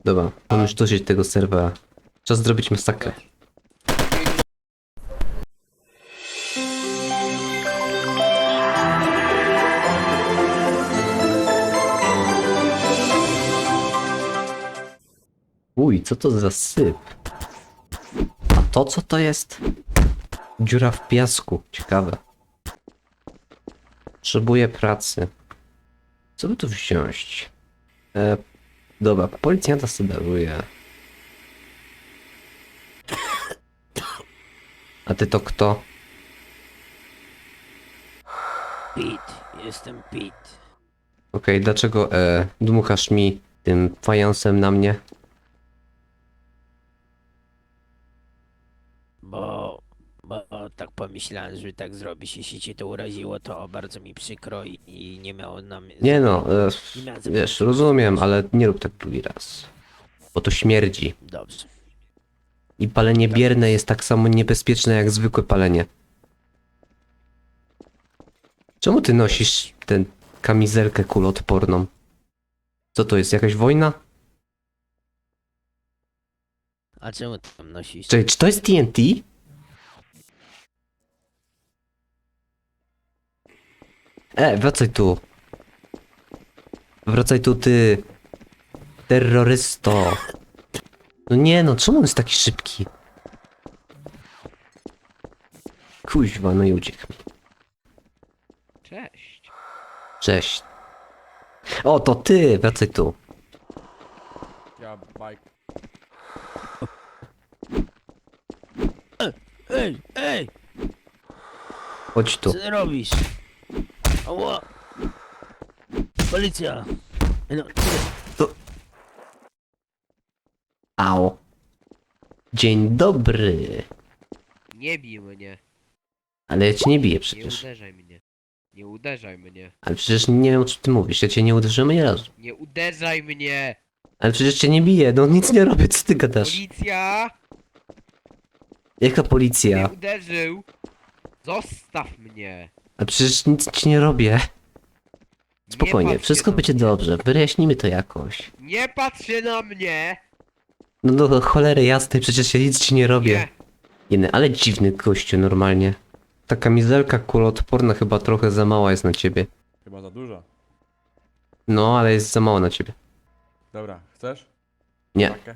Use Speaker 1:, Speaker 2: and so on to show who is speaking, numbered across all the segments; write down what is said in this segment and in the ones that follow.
Speaker 1: Dobra, mam już dosyć tego serwera. Czas zrobić masakrę. Uj, co to za syp? A to co to jest? Dziura w piasku. Ciekawe. Potrzebuję pracy. Co by tu wziąć? Dobra, policjanta sobie daruję. A ty to kto?
Speaker 2: Pete, jestem Pete.
Speaker 1: Okej, dlaczego dmuchasz mi tym fajansem na mnie?
Speaker 2: Bo tak pomyślałem, że tak zrobisz. Jeśli cię to uraziło, to bardzo mi przykro i nie miało nam...
Speaker 1: Nie no,
Speaker 2: nie miałem
Speaker 1: wiesz, rozumiem, ale nie rób tak drugi raz. Bo to śmierdzi.
Speaker 2: Dobrze.
Speaker 1: I palenie bierne jest tak samo niebezpieczne jak zwykłe palenie. Czemu ty nosisz tę kamizelkę kuloodporną? Co to jest, jakaś wojna?
Speaker 2: A czemu ty tam nosisz?
Speaker 1: Czekaj, czy to jest TNT? Wracaj tu. Wracaj tu, ty. Terrorysto. No nie no, czemu on jest taki szybki? Kuźwa, no i uciekł mi.
Speaker 3: Cześć.
Speaker 1: Cześć. O, to ty, wracaj tu.
Speaker 3: Ja, Mike.
Speaker 2: Ej!
Speaker 1: Chodź tu.
Speaker 2: Co ty robisz? Ała! Policja! No,
Speaker 1: Au. Dzień dobry.
Speaker 3: Nie bij mnie.
Speaker 1: Ale ja cię nie biję
Speaker 3: Nie
Speaker 1: przecież.
Speaker 3: uderzaj mnie. Nie uderzaj mnie.
Speaker 1: Ale przecież nie wiem o czym ty mówisz, ja cię nie uderzyłem ani razu.
Speaker 3: Nie uderzaj mnie!
Speaker 1: Ale przecież cię nie biję, no nic nie robię, co ty gadasz?
Speaker 3: Policja!
Speaker 1: Jaka
Speaker 3: Nie
Speaker 1: policja?
Speaker 3: uderzył! Zostaw mnie!
Speaker 1: A przecież nic ci nie robię.
Speaker 3: Nie
Speaker 1: Spokojnie,
Speaker 3: patrz
Speaker 1: wszystko
Speaker 3: się na
Speaker 1: będzie
Speaker 3: mnie.
Speaker 1: dobrze, wyjaśnimy to jakoś.
Speaker 3: Nie patrz się na mnie!
Speaker 1: No do cholery jasnej, przecież ja nic ci nie robię.
Speaker 3: Nie!
Speaker 1: Jeny, ale dziwny gościu normalnie. Ta kamizelka kuloodporna chyba trochę za mała jest na ciebie.
Speaker 4: Chyba za dużo.
Speaker 1: No, ale jest za mała na ciebie.
Speaker 4: Dobra, chcesz?
Speaker 1: Nie.
Speaker 4: Pakę?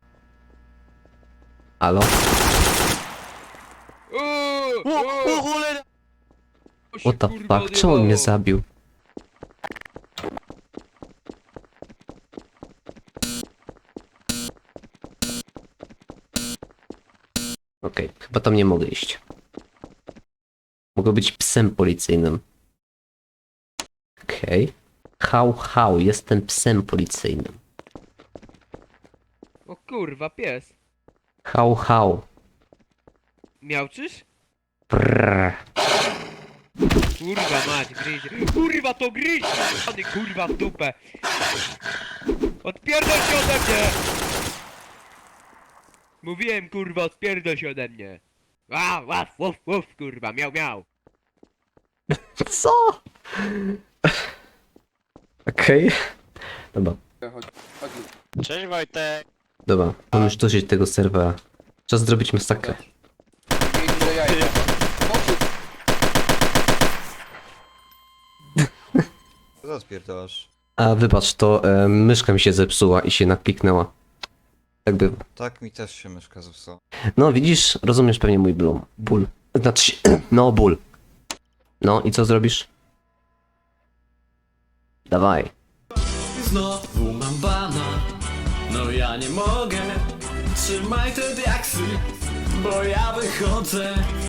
Speaker 1: Halo?
Speaker 3: O cholera!
Speaker 1: What the fuck, czemu on mnie zabił? Okej, chyba tam nie mogę iść. Mogę być psem policyjnym. Okej. Hał, jestem psem policyjnym.
Speaker 3: O kurwa, pies.
Speaker 1: Hał.
Speaker 3: Miałczysz?
Speaker 1: Prrr.
Speaker 3: Kurwa mać, gryzie. Kurwa to gryź! Pany kurwa w dupę! Odpierdol się ode mnie! Mówiłem kurwa, odpierdol się ode mnie! Wuf, kurwa, miał.
Speaker 1: Co? Okej. Dobra.
Speaker 5: Cześć Wojtek!
Speaker 1: Dobra, mam już dosyć tego serwera. Czas zrobić masakrę.
Speaker 5: Co spierdolasz?
Speaker 1: A wybacz, to myszka mi się zepsuła i się nakliknęła. Tak bywa.
Speaker 5: Tak mi też się myszka zepsuła.
Speaker 1: No widzisz, rozumiesz pewnie mój ból. Znaczy się, no ból. No i co zrobisz? Dawaj.
Speaker 6: Znowu mam bana. No ja nie mogę. Trzymaj te diaksy, bo ja wychodzę.